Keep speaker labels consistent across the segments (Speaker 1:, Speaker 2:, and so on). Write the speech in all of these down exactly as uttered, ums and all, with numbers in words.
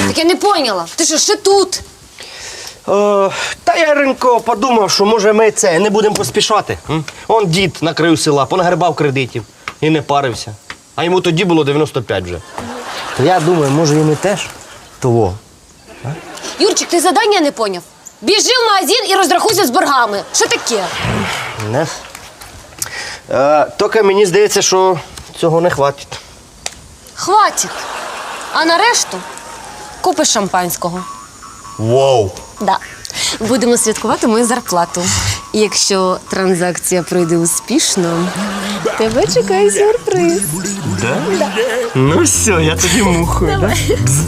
Speaker 1: Так я не поняла. Ти що, ще тут?
Speaker 2: Е, та я, Яринко, подумав, що може ми це не будемо поспішати. М? Он дід на краю села, понагребав кредитів і не парився. А йому тоді було дев'яносто п'ять вже. То я думаю, може і ми теж того.
Speaker 1: Юрчик, ти задання не поняв? Біжи в магазин і розрахуйся з боргами. Що таке?
Speaker 2: Не. Е, тільки мені здається, що цього не хватить.
Speaker 1: Хватить. А на решту купиш шампанського.
Speaker 2: Вау!
Speaker 1: Да. Будемо святкувати мою зарплату. І якщо транзакція пройде успішно, тебе чекає сюрприз.
Speaker 2: Да? Да. Ну все, я тоді мухою, да?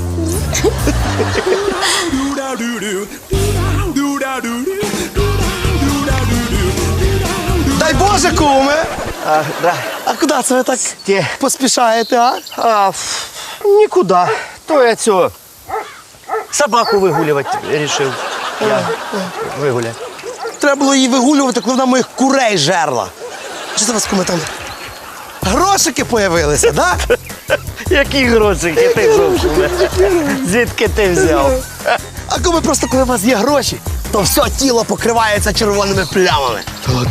Speaker 3: Дай Боже, куме!
Speaker 2: А, да.
Speaker 3: А куди це ви так
Speaker 2: Ті.
Speaker 3: поспішаєте, а?
Speaker 2: А, ф, нікуди. То я цього собаку вигулювати вирішив. Я вигуляю.
Speaker 3: Треба було її вигулювати, коли вона моїх курей жерла. Що це у вас, куме, там? Грошики появилися, да?
Speaker 2: Які грошики ти зовсім? Звідки ти взяв?
Speaker 3: А куме, просто коли у вас є гроші, то все тіло покривається червоними плямами.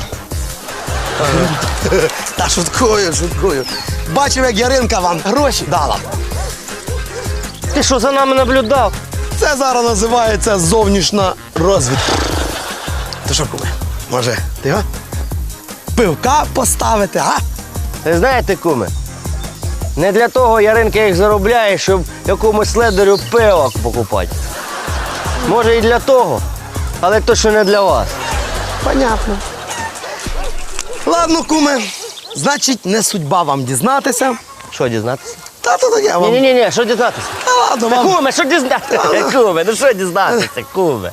Speaker 3: Та шуткую, шуткую. Бачив, як Яринка вам гроші дала.
Speaker 2: Ти що, за нами наблюдав?
Speaker 3: Це зараз називається зовнішня розвідка. То що, куме, може, ти а? Пивка поставити, а?
Speaker 2: Ви знаєте, куме, не для того Яринка їх заробляє, щоб якомусь ледерю пиво покупати. Може і для того, але точно не для вас.
Speaker 3: Понятно. Ладно, куме, значить, не судьба вам дізнатися.
Speaker 2: Що дізнатися?
Speaker 3: Та то таке вам.
Speaker 2: Ні-ні-ні, що дізнатися?
Speaker 3: Та ладно,
Speaker 2: Та,
Speaker 3: вам.
Speaker 2: куме, що дізнатися? Куме, ну що дізнатися, куме?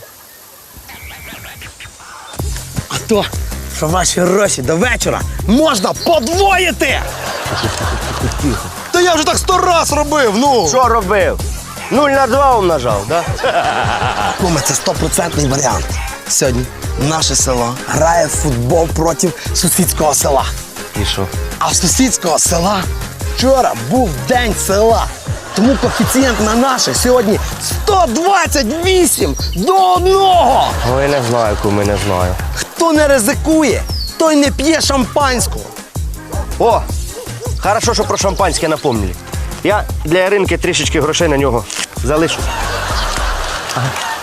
Speaker 3: А то, що ваші гроші до вечора можна подвоїти. Та я вже так сто раз робив, ну.
Speaker 2: Що робив? Нуль на два умножав, да?
Speaker 3: Куме, це стопроцентний варіант. Сьогодні наше село грає в футбол проти сусідського села.
Speaker 2: І що?
Speaker 3: А в сусідського села вчора був день села. Тому коефіцієнт на наше сьогодні сто двадцять вісім до одного.
Speaker 2: Ой, не знаю, куме, не знаю.
Speaker 3: Хто не ризикує, той не п'є шампанського.
Speaker 2: О, хорошо, що про шампанське напомнили. Я для Яринки трішечки грошей на нього залишу. Ага.